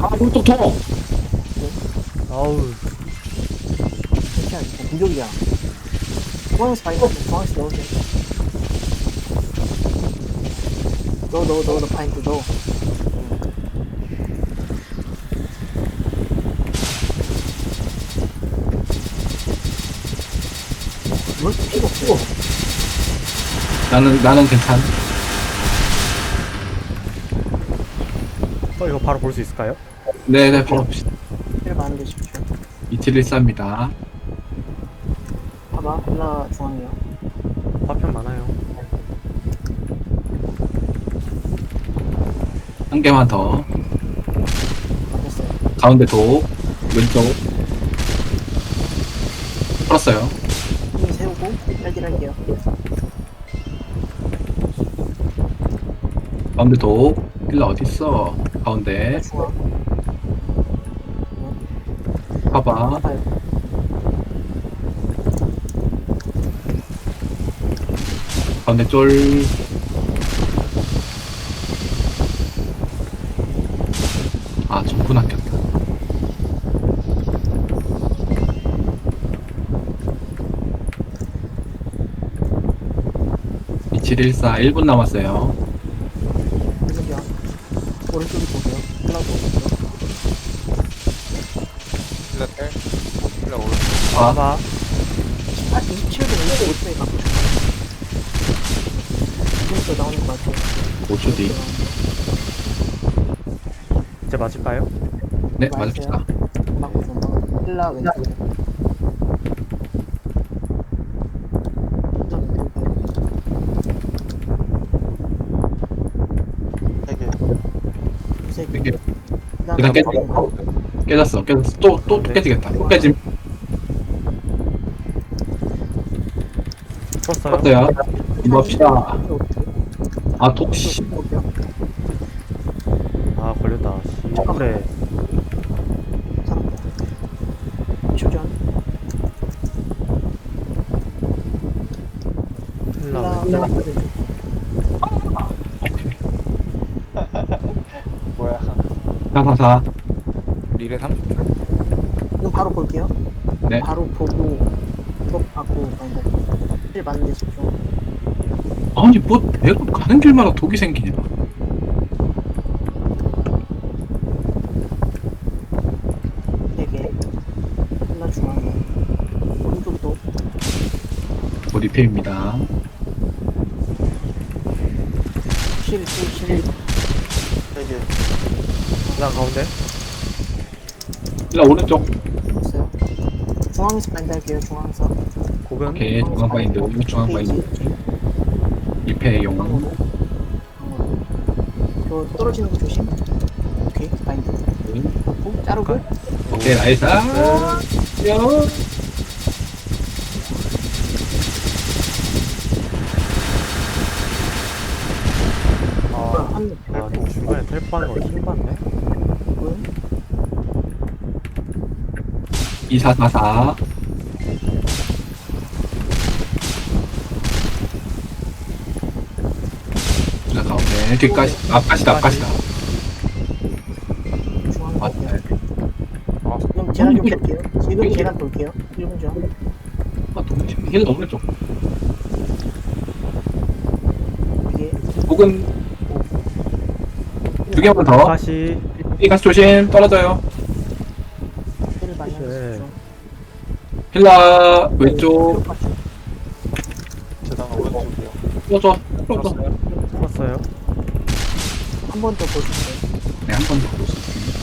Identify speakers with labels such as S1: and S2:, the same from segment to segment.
S1: 아, 오른쪽 통!
S2: 아우.
S3: 괜찮아, 공격이야. 중앙에서 바인드, 중앙에서 넣어줘. 넣어, 바인드 넣어. 뭘 필요 없어.
S1: 나는 괜찮.
S2: 이거 바로 볼 수 있을까요?
S1: 네네, 바로 봅시다.
S3: 필요 많은데 싶죠.
S1: 이틀일사입니다.
S3: 봐봐, 힐라 중앙이야.
S2: 화편 많아요.
S1: 한 개만 더.
S3: 됐어요.
S1: 가운데 도, 왼쪽. 풀었어요.
S3: 힘 세우고, 빨리 할게요.
S1: 가운데 도. 힐러 어딨어? 가운데.
S3: 중앙.
S1: 봐봐.
S3: 봐봐요.
S1: 가운데 쫄. 아, 전분 아꼈다. (2714) 1분 남았어요.
S3: 그러게요. 오른쪽이 보세요. 힐라도 오른쪽.
S4: 힐러 텔. 힐러 오른쪽.
S1: 아,
S2: 봐봐.
S3: 27분 25초에 가고 싶어. 지금부터 나오는 것 같아요.
S1: 5초 뒤.
S2: 이제 맞을까요?
S1: 네, 맞읍시다.
S3: 맞고 좀 봐. 힐라 왼쪽. 세 개.
S1: 이게
S3: 그다음에
S1: 깨, 깨졌어. 또 깨지겠다. 또 깨짐.
S2: 풀었어요.
S1: 어때요? 봅시다. 아, 독시.
S2: 아, 걸렸다. 그래.
S3: 추전.
S2: 힐라.
S3: 힐라
S4: 뭐야.
S1: 444.
S4: 릴에 30초.
S3: 이거 바로 볼게요.
S1: 네.
S3: 바로 보고 tok 받고 가는데 힐 맞는데 집중.
S1: 아니, 뭐, 내가 가는 길마다 독이 생기냐.
S3: 되게 힐라 중앙에 오른쪽도
S1: 리페입니다.
S3: 실
S4: 되게.
S2: 힐라 가운데.
S1: 일라 오른쪽.
S3: 있어요. 중앙에서 반대 할게요. 중앙에서
S2: 고근.
S1: 오케이, 중앙바인드, 중앙바인드. 리페용.
S3: 방으로 저 떨어지는 거 조심. 오케이 바인드 받고 자르고
S1: 오케이, 나이스. 요.
S3: 한
S2: 아, 좀 중간에 텔포 하는 거 힘받네.
S3: 분
S1: 2444. 자, 가운데. 뒤까지, 앞까지다.
S3: 중앙
S1: 맞다.
S3: 볼게요. 지금 계단 좀 볼게요. 지금 계단 볼게요. 1분 전.
S1: 아, 동시 힐러 오른쪽.
S3: 이게
S1: 혹은 두 개만 더.
S2: 다시.
S1: 이 가스 조심. 떨어져요.
S3: 힐을 많이 하면서
S2: 네.
S3: 집중.
S1: 힐러 왼쪽.
S4: 재단 오른쪽이요.
S1: 풀어줘.
S2: 풀었어요.
S3: 한 번 더 보실게요.
S1: 네, 한 번 더 볼 수 있습니다.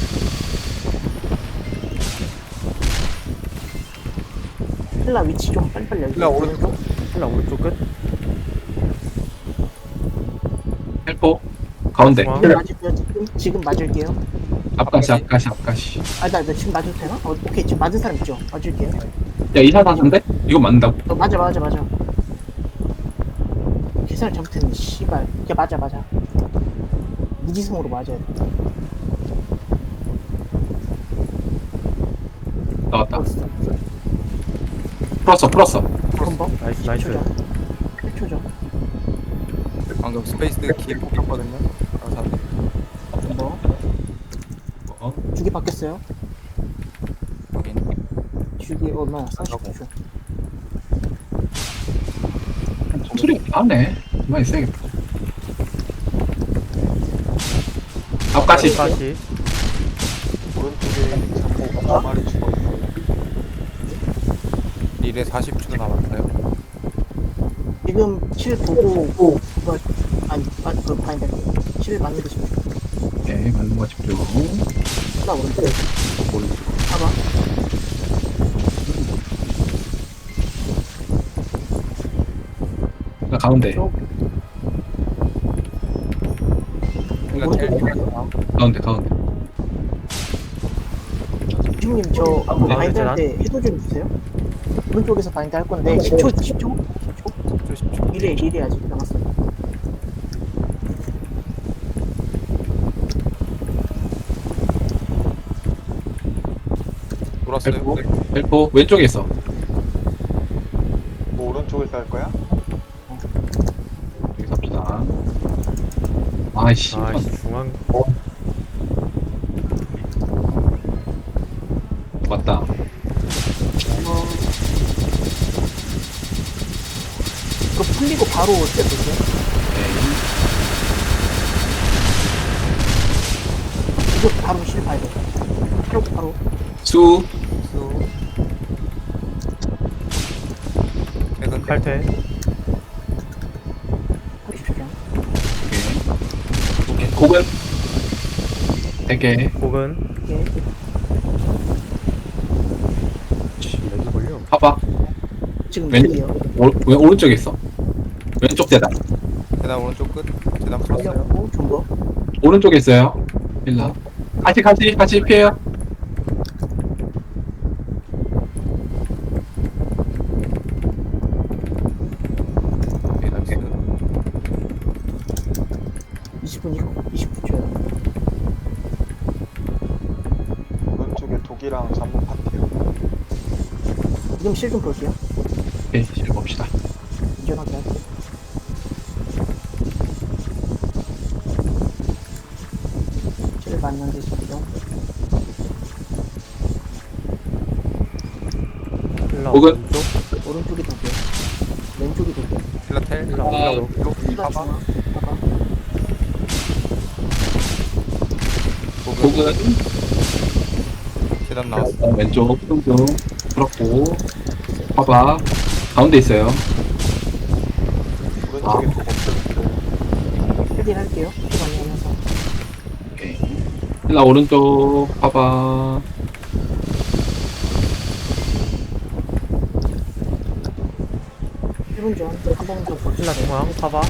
S3: 힐라 위치 좀 빨리빨리 알려주세요.
S4: 힐라 오른쪽.
S2: 힐라 오른쪽 끝.
S1: 헬포. 가운데.
S2: 중앙.
S3: 맞을게요. 지금 맞을게요.
S1: 앞가시.
S3: 나 지금 맞을 되나? 오케이 지금 맞은 사람 있죠? 맞을게요.
S1: 야, 2444인데? 이거 맞는다고?
S3: 맞아. 계산을 잘못했네. 씨발. 이게 맞아. 무지성으로 맞아야 돼.
S1: 나왔다. 풀었어.
S3: 한 번.
S2: 나이스.
S3: 1초죠.
S4: 방금 스페이스 키 뽑혔거든요. 아,
S3: 한 번. 주기 바뀌었어요.
S4: 확인.
S3: 주기 얼마야? 49초.
S1: 소리가 나네. 많이 세겠다. 앞까지.
S2: 다시.
S4: 오른쪽에 잠복 4마리 죽었어요. 릴에 40초 남았어요.
S3: 지금 7 보고 그거 그 바인드 7 맞는 게 싶어.
S1: 오케이, 맞는 거 집중.
S3: 하나 오른쪽.
S1: 오른쪽.
S3: 봐봐.
S1: 나 가운데.
S4: 힐러
S3: 오른쪽
S4: 텔.
S3: 볼게요.
S1: 가운데.
S3: 주님 저
S1: 네,
S3: 바인드
S2: 네,
S3: 할 때 해도 좀 주세요. 오른쪽에서 바인드 할 건데 10초 10초 10초 1회 아직 남았어요.
S4: 돌았어요.
S1: 헬포. 헬포. 왼쪽에 있어.
S4: 뭐 오른쪽에서 할 거야?
S1: 여기 삽시다. 아이씨.
S2: 아이씨 중앙.
S1: 맞다.
S3: 이거 풀리고 바로 때 볼게요.
S1: 오케이.
S3: 이거 바로 실패해야 돼. 바로
S1: 수.
S4: 수. 퇴근.
S2: 칼퇴.
S3: 30초.
S1: 오케이. 곡은. 3개.
S2: 곡은
S3: 이게
S2: 렉이 걸려.
S1: 봐봐.
S3: 지금
S1: 왼-
S3: 2회요.
S1: 왜 오른쪽에 있어? 왼쪽 대단.
S4: 재단 오른쪽 끝. 재단 풀었어요.
S3: 풀렸고 존버.
S1: 오른쪽에 있어요. 일라. 같이 피해요.
S4: 네, 나이스.
S3: 20분 이후 29초요.
S5: 오른쪽에 독이랑 잠복 파티요.
S3: 지금 실 좀 볼게요.
S1: 오케이, 실 봅시다.
S3: 안전하게 할게요. 실 맞는데 지금
S2: 힐러
S1: 곡은?
S2: 오른쪽.
S3: 오른쪽이 돌게요. 왼쪽이 돌게요.
S4: 힐러 텔.
S2: 힐러 오른쪽.
S3: 힐라
S4: 봐봐.
S3: 중앙. 봐봐.
S1: 곡은
S4: 재단 나왔어.
S1: 왼쪽 뚱뚱 풀었고. 봐봐. 가운데 있어요.
S5: 오른쪽에 독 없어졌어요.
S3: 헤딩 할게요. 시간이 하면서.
S1: 오케이. 일라 오른쪽 봐봐.
S3: 일분 전. 한번 더 볼게요.
S2: 힐러 중앙. 파봐.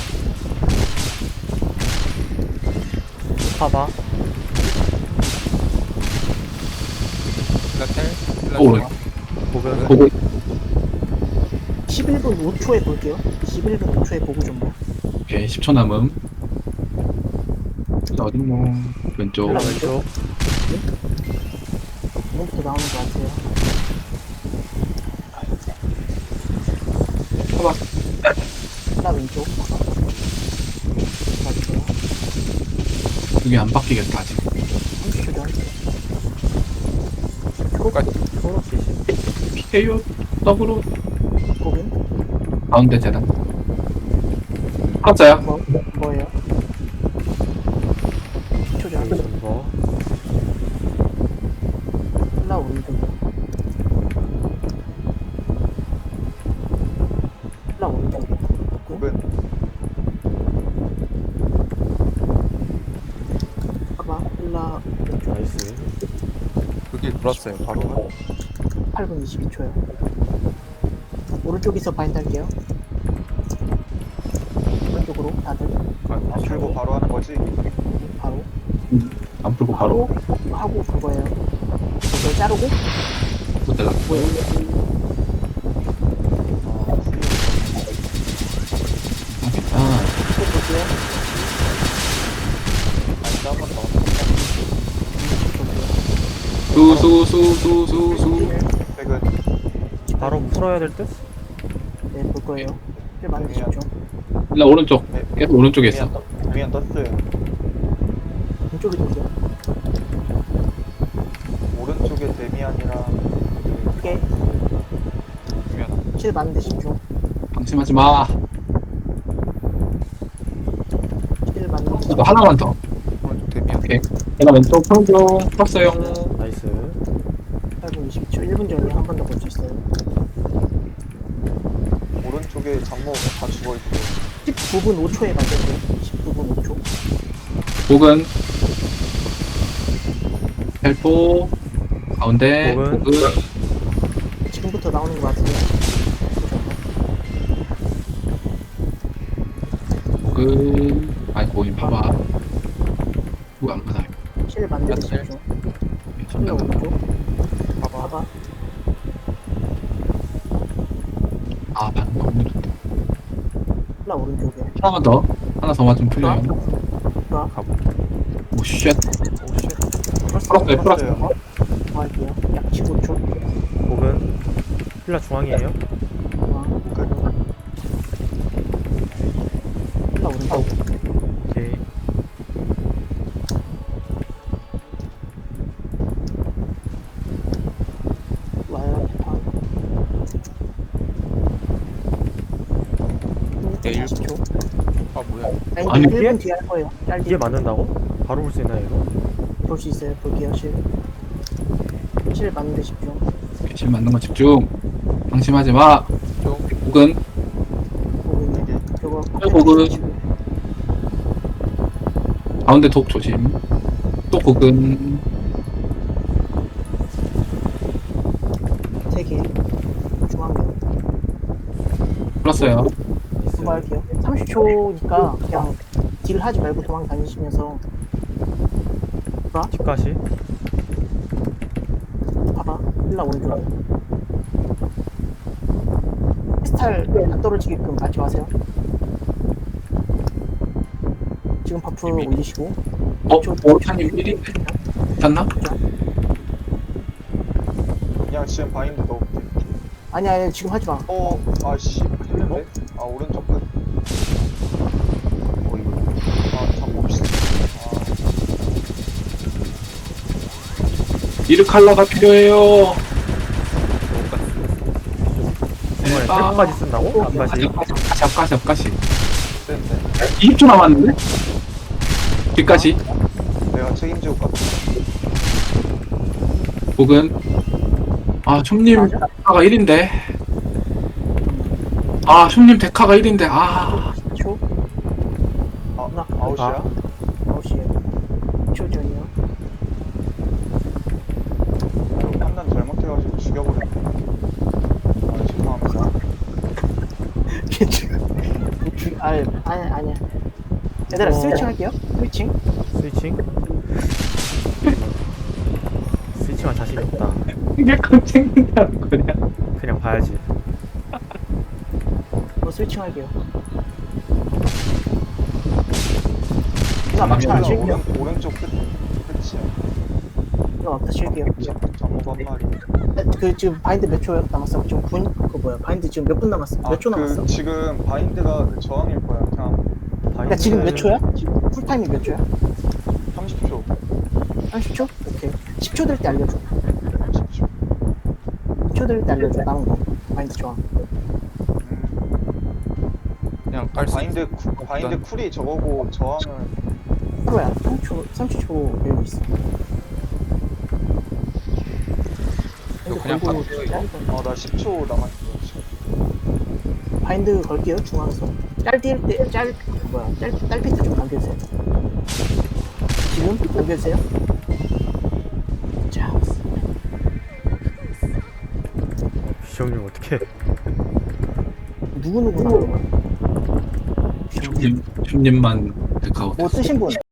S2: 파봐.
S4: 힐러 텔. 힐러
S1: 오른.
S4: 중앙.
S2: 곡은
S1: 곡은
S3: 11분 5초에 볼게요. 11분 5초에 보고 좀 봐.
S1: 오케이. 10초 남음. 일라 어딨노? 왼쪽.
S2: 힐러 왼쪽.
S3: 이번부터 나오는 것 같아요.
S1: 봐봐.
S3: 힐라 왼쪽. 맞고요.
S1: 이게 안 바뀌겠다 아직.
S3: 30초 전.
S4: 끝까지.
S3: 초록
S1: 피해요. 더블로
S3: 고빈.
S1: 가운데 재단. 풀었어요.
S3: 뭐예요? 10초 전.
S2: 존버.
S3: 힐라 오른쪽이요. 힐라 오른쪽이요.
S5: 독은
S3: 봐봐. 힐라
S2: 나이스.
S4: 그길 돌았어요. 바로.
S3: 8분 22초요. 오른쪽에서 바인드 할게요. 오른쪽으로 다들
S5: 안 풀고 바로 하는 거지?
S3: 바로
S1: 안 풀고 바로
S3: 하고 그거예요. 그걸 자르고
S1: 못 달라.
S3: 뭐예요?
S1: 아,
S3: 또 볼게요.
S5: 아니다 한번 더.
S1: 수수수수수수.
S5: 백은
S2: 바로 풀어야 될 듯?
S3: 네, 볼 거예요. 실 많이 주십시오.
S1: 일라 오른쪽. 계속 오른쪽에 있어.
S5: 위안 떴어요.
S3: 왼쪽에 볼게요.
S5: 오른쪽에 데미안이랑
S3: 크게
S4: 그러면
S3: 실 맞는데 집중.
S1: 방심하지 마.
S3: 실 맞는데 집중.
S1: 이거 하나만 더.
S4: 오른쪽 데미안.
S1: 오케이. 내가 왼쪽 풀고 풀었어요.
S2: 나이스.
S3: 8분 22초 1분 전에 한 번 더 볼 수 있어요.
S5: 오른쪽에 잡목 다 죽어있고
S3: 19분 5초에 만들어요. 19분 5초.
S1: 복은 헬포 가운데
S2: 복은.
S1: 복은
S3: 지금부터 나오는 것 같은데.
S1: 복은 아이고 이 봐봐. 누가 안 받아요.
S3: 실 만들고
S4: 실.
S3: 집중. 실
S1: 잠깐만.
S3: 오른쪽. 봐봐.
S1: 아 방금 너무 좋다.
S3: 힐라 오른쪽에.
S1: 하나만 더. 하나 더 맞으면 풀려요.
S3: 힐라.
S1: 오 쉣.
S3: 풀었어요.
S1: 풀었어요.
S3: 뭐 할게요. 약 15초.
S2: 복은 힐라 중앙이에요.
S3: 힐라 오른쪽.
S2: 오케이.
S3: 와요.
S4: 네,
S3: 40초.
S4: 아 뭐야?
S1: 아니,
S3: 아니,
S2: 이게?
S3: 1분 뒤에 할 거예요. 짧게
S2: 이게 맞는다고? 바로 볼 수 있나요 이거?
S3: 볼 수 있어요. 볼게요. 실 맞는데 집중.
S1: 실 맞는 거 집중. 방심하지 마.
S4: 좀
S1: 복은
S3: 보고 있네. 저거
S1: 복은 가운데 독 조심. 또 복은
S3: 3개. 중앙면.
S1: 풀었어요.
S2: 나이스.
S3: 그거 할게요. 30초니까 그냥 딜 하지 말고 도망 다니시면서
S2: 집가시.
S3: 봐봐. 힐라 오른쪽. 스탈 안 떨어지게끔 맞지 마세요. 지금 버프 올리시고.
S1: 오타님 1인데 탔나?
S5: 그냥 지금 바인드 넣을게
S3: 아니 지금 하지 마.
S5: 아씨 했는데? 아 오른쪽 끝 잡목 씨
S1: 이르칼라가 필요해요.
S2: 중간에 셀프까지 쓴다고? 앞까지.
S1: 앞가시.
S5: 센데
S1: 20초 남았는데? 뒤까지.
S5: 내가 책임지고 갔다
S1: 복은 아 춤님
S3: 맞아?
S1: 데카가 1인데 아 춤님 데카가 1인데 아
S3: 4초.
S5: 아웃이야?
S3: 9시에. 2초 전이요.
S5: 이거 판단 잘못해가지고 죽여버렸네 아 죄송합니다
S3: 아니야. 얘들아 스위칭 할게요. 스위칭.
S2: 스위칭. 스위칭할 자신이 없다.
S1: 이게 깜짝이라는 거냐.
S2: 그냥 봐야지.
S3: 스위칭 할게요. 이거 막타 안 칠게요.
S5: 오른쪽 끝이야
S3: 이거 막타 칠게요.
S5: 잡목 한 마리
S3: 그 지금 바인드 몇 초 남았어? 지금 그 뭐야? 바인드 지금 몇 분 남았어? 몇 초 남았어?
S5: 지금 바인드가 그 저항일 거야 그냥
S3: 그러니까 지금 몇 초야? 지금 풀타임이 몇 초야?
S5: 30초
S3: 30초? 오케이. 10초 될 때 알려줘.
S5: 10초
S3: 10초 될 때 알려줘. 남은 거. 바인드 저항.
S4: 그냥 깔수
S5: 바인드 쿨이 저거고 저항은
S3: 프로야. 30초 배우고 있어.
S4: 이거 그냥
S3: 걸고
S4: 바꿔요, 이거.
S5: 나 10초 남았어 지금.
S3: 바인드 걸게요. 중앙에서. 딸피트 좀 남겨주세요. 지금 남겨주세요. 자,
S2: 비정님 어떻게?
S3: 누구누구 나오는 거야?
S1: 춤님만 데카고
S3: 뭐 쓰신 분?